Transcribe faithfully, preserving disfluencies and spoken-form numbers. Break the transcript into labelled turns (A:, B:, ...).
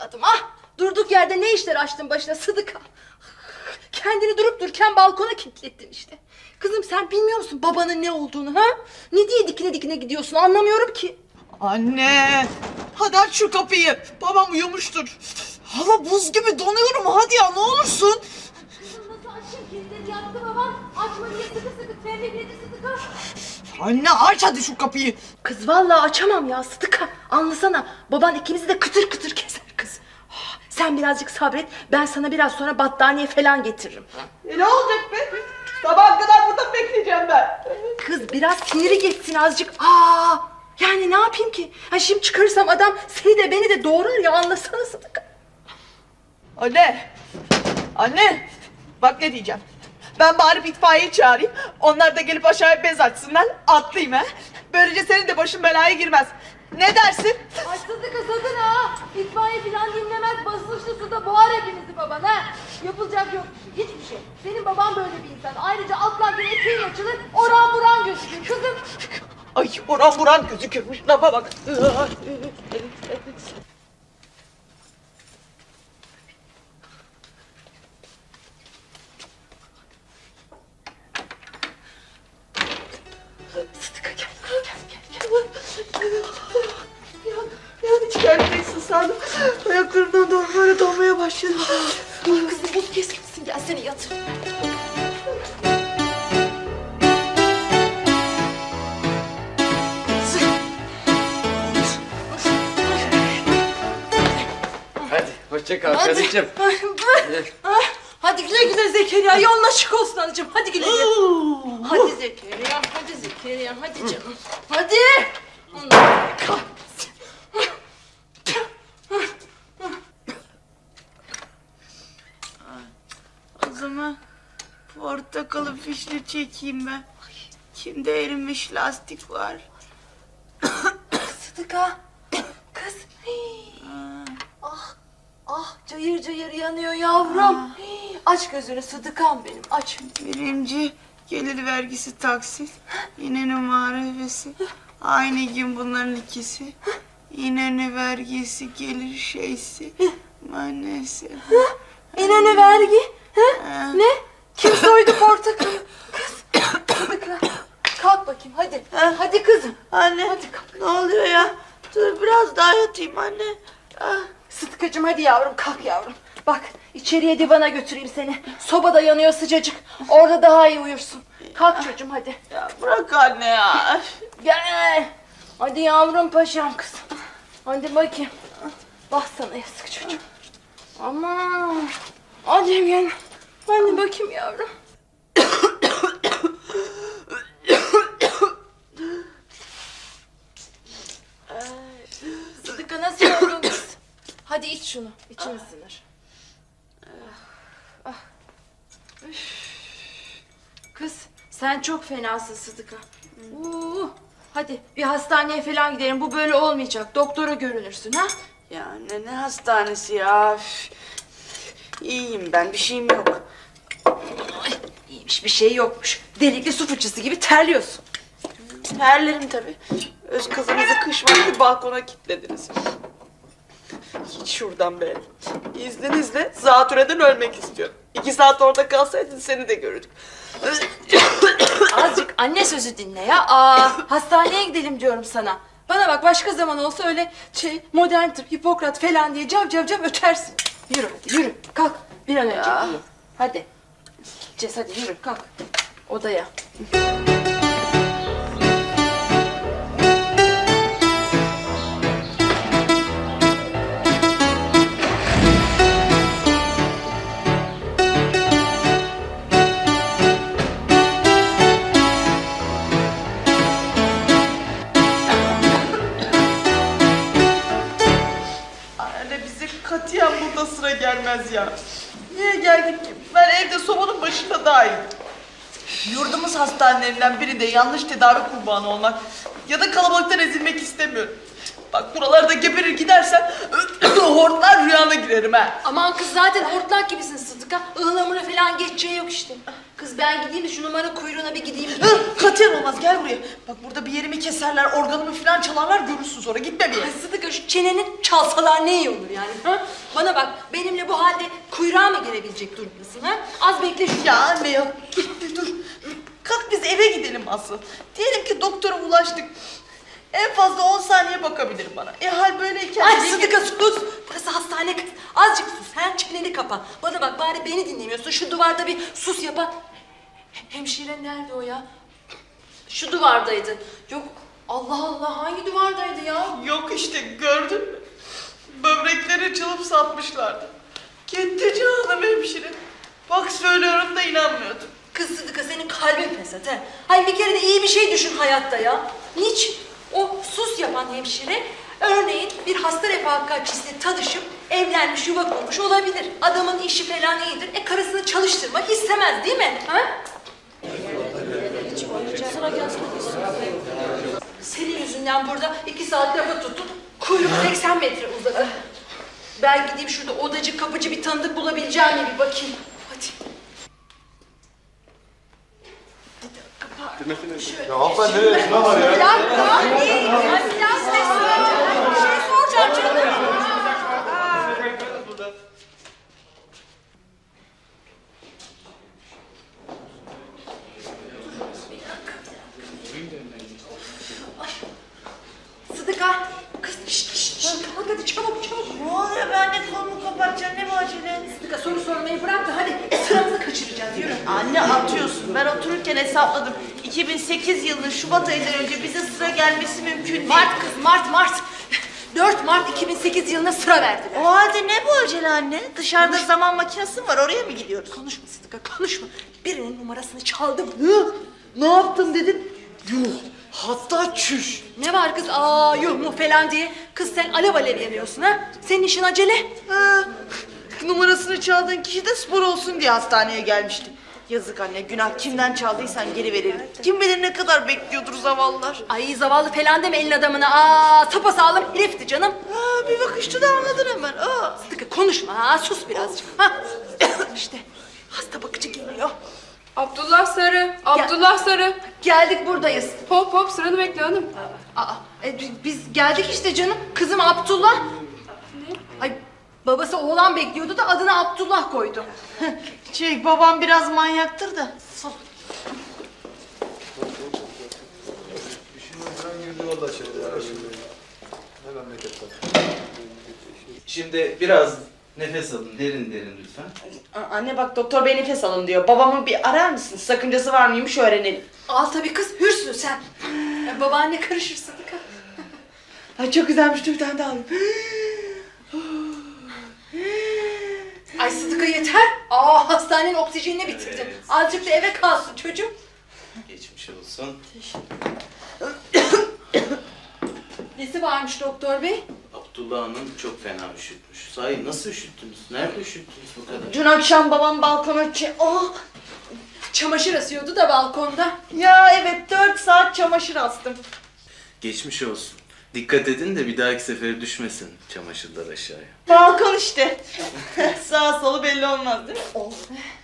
A: evladım ah! Durduk yerde ne işler açtın başına Sıdıka? Kendini durup dururken balkona kilitlettin işte. Kızım sen bilmiyor musun babanın ne olduğunu ha? Ne diye dikine dikine gidiyorsun anlamıyorum ki.
B: Anne! Hadi aç şu kapıyı. Babam uyumuştur. Hava buz gibi donuyorum. Hadi ya ne olursun.
A: Kızım nasıl açayım kilitleri yaktı baban. Açma diye sıkı sıkı terlekledi Sıdıka.
B: Anne aç hadi şu kapıyı.
A: Kız vallahi açamam ya Sıdıka. Anlasana baban ikimizi de kıtır kıtır keser kız. Ah, sen birazcık sabret ben sana biraz sonra battaniye falan getiririm.
B: E ne olacak be? Sabaha kadar burada bekleyeceğim ben.
A: Kız biraz siniri geçsin azıcık. Aa, yani ne yapayım ki? Ha şimdi çıkarırsam adam seni de beni de doğrar ya anlasana Sıdıka.
B: Anne! Anne! Bak ne diyeceğim. Ben bari itfaiyeyi çağırayım. Onlar da gelip aşağıya bez açsınlar. Atlayayım ha. Böylece senin de başın belaya girmez. Ne dersin?
A: Ay Sıdıka sakın ha. İtfaiye falan dinlemez basınçlı suda boğar hepinizi baban ha. Yapılacak yok bir şey, hiçbir şey. Senin baban böyle bir insan. Ayrıca atlarken eteğin açılır oran buran gözükür kızım.
B: Ay oran buran gözükürmüş. Lafa bak.
A: Sıdıka gel gel gel gel.
B: Yani içerideysin sandım. Ayaklarımdan doğru böyle donmaya başladım.
A: Ah kızım buz kesmişsin gel seni yatır.
C: Hadi hoşça kal karıcığım.
A: Ah, hadi güle güle Zekeriya yolun açık olsun anacığım hadi güle güle. Hadi Zekeriya hadi Zekeriya hadi canım hadi. Allah kahretsin.
B: O zaman portakalı fişli çekeyim ben. Kimde erimiş lastik var.
A: Sıdıka kız. Hii. Ah ah cayır cayır yanıyor yavrum. Hii, aç gözünü Sıdıkam benim aç.
B: Birinci gelir vergisi taksit. Yine numara hevesi. Aynı gün bunların ikisi. Yine ne vergisi gelir şeysi. Maalesef.
A: Yine ne vergi? Ha? Ne? Kim soydu portakalı? Kız Sıdıka kalk bakayım hadi. Hadi kızım.
B: Anne
A: Hadi kalk.
B: ne oluyor ya? Dur biraz daha yatayım anne. Ah.
A: Sıtkıcığım hadi yavrum kalk yavrum. Bak içeriye divana götüreyim seni. Sobada yanıyor sıcacık. Orada daha iyi uyursun. Kalk çocuğum hadi.
B: Ya bırak anne ya.
A: Gel. Hadi yavrum paşam kızım. Hadi bakayım. Bak sana yazık çocuğum. Aman. Hadi gel. Hadi bakayım yavrum. Sıdıka nasıl oldun kız? Hadi iç şunu. İçin ısınır. Ah, ah. Üf. Kız sen çok fenasın Sıdıka. Uu, hadi bir hastaneye falan gidelim. Bu böyle olmayacak. Doktora görünürsün ha.
B: Ya anne ne hastanesi ya. Üf. İyiyim ben bir şeyim yok.
A: Ay, iyiymiş bir şey yokmuş. Delikli su fıçısı gibi terliyorsun.
B: Terlerim tabii. Öz kızınızı kış vakti balkona kilitlediniz. Hiç şuradan be. İzninizle zatürreden ölmek istiyorum. İki saat orada kalsaydın seni de görürdük.
A: Azıcık anne sözü dinle ya. Aa, hastaneye gidelim diyorum sana. Bana bak başka zaman olsa öyle şey modern tıp, Hipokrat falan diye cav cav cav ötersin. Yürü hadi yürü. Kalk bir an önce
B: Ya.
A: uyu. Hadi. Gideceğiz hadi yürü kalk. Odaya.
B: Anne bize katiyen burada sıra gelmez ya. Niye geldik ki? Ben evde sobanın başında daha iyiyim. Yurdumuz hastanelerinden birinde yanlış tedavi kurbanı olmak ya da kalabalıktan ezilmek istemiyorum. Bak buralarda geberir gidersen hortlar rüyana girer. girerim ha.
A: Aman kız zaten hortlak gibisin Sıdıka. Ihlamura falan geçeceği yok işte. Kız ben gideyim de şu numara kuyruğuna bir gideyim.
B: Hı, katiyen olmaz, gel buraya. Bak burada bir yerimi keserler, organımı falan çalarlar, görürsün sonra, gitme bir yere.
A: Ay Sıdıka şu çeneni çalsalar ne iyi olur yani. Ha? Bana bak benimle bu halde kuyruğa mı girebilecek durumdasın ha? Az bekle şu.
B: Ya anne ya, dur, dur. Kalk biz eve gidelim asıl. Diyelim ki doktora ulaştık. En fazla on saniye bakabilir bana. E hal böyleyken...
A: Ay Sıdıka sus. Burası hastane kız. Azıcık sus. Her çeneni kapa. Bana bak bari beni dinlemiyorsun. Şu duvarda bir sus yapa. Hemşire nerede o ya? Şu duvardaydı. Yok Allah Allah hangi duvardaydı ya?
B: Yok işte, gördün mü? Böbrekleri çalıp satmışlardı. Gitti canım hemşire. Bak söylüyorum da inanmıyordum.
A: Kız Sıdıka senin kalbin fesat he. Hayır bir kere de iyi bir şey düşün hayatta ya. Niçin? O sus yapan hemşire örneğin bir hasta refakatçisiyle tanışıp evlenmiş yuva kurmuş olabilir. Adamın işi falan iyidir. E karısını çalıştırmak istemez değil mi? Ha? Sana gelsene. Senin yüzünden burada iki saat lafa tuttum. Kuyruk seksen metre uzadı. Ben gideyim şurada odacı kapıcı bir tanıdık bulabileceğim mi bir bakayım. Hadi.
D: Ya hanımefendi nereye? Ne var ya?
A: Bir dakika. Niye? Ben biraz size soracağım. Bir şey soracağım canım. Sıdıka. Kız şşt şşt şşt. Kalk hadi çabuk çabuk.
B: Ne oluyor, ben de kolumu kapatacağım, ne bu acele?
A: Sıdıka soru sormayı bırak da hadi sıramızı kaçıracağız yürü.
B: Anne atıyorsun, ben otururken hesapladım. iki bin sekiz yılının Şubat ayından önce bize sıra gelmesi mümkün değil.
A: Mart kız Mart Mart. dört Mart iki bin sekiz yılına sıra verdiler.
B: O halde ne bu acele anne? Dışarıda zaman makinesi var, oraya mı gidiyoruz?
A: Konuşma Sıdıka konuşma. Birinin numarasını çaldım.
B: Hı? Ne yaptın dedim? Yuh, hatta çüş.
A: Ne var kız aa yuh mu falan diye. Kız sen alev alev yanıyorsun ha. Senin işin acele.
B: Ha, numarasını çaldığın kişi de spor olsun diye hastaneye gelmişti. Yazık anne, günah, kimden çaldıysan geri verelim. Kim bilir ne kadar bekliyordur zavallılar.
A: Ay zavallı falan deme elin adamına. Aa sapasağlam herifti canım.
B: Ha, bir bakışta da anladın hemen. Aa.
A: Sıdıka konuşma ha sus birazcık. Ha. İşte hasta bakıcı geliyor.
E: Abdullah Sarı, Abdullah Sarı.
A: Geldik buradayız.
E: Hop hop sıranı bekle hanım.
A: Aa, e, bi- biz geldik işte canım. Kızım Abdullah. Ne? Ay babası oğlan bekliyordu da adını Abdullah koydu.
B: Şey, babam biraz manyaktır da.
F: Şimdi biraz nefes alın, derin derin lütfen.
B: A- Anne bak, doktor bey nefes alın diyor. Babamı bir arar mısın? Sakıncası var mıymış öğrenelim.
A: Al tabii kız hürsün sen. Ya, babaanne karışır Sıdıka.
B: Ay çok güzelmiş, dur bir tane daha alayım.
A: Ay Sıdıka yeter. Aa hastanenin oksijenini bitirdin. Azıcık da eve kalsın çocuğum.
F: Geçmiş olsun.
A: Nesi varmış doktor bey?
F: Abdullah Hanım çok fena üşütmüş. Sahi nasıl üşüttünüz? Nerede üşüttünüz bu kadar?
B: Dün akşam babam balkona çe... Oh!
A: Çamaşır asıyordu da balkonda.
B: Ya evet, dört saat çamaşır astım.
F: Geçmiş olsun. Dikkat edin de bir dahaki sefere düşmesin çamaşırlar aşağıya.
B: Balkon işte. Sağ solu belli olmaz değil mi? Oh.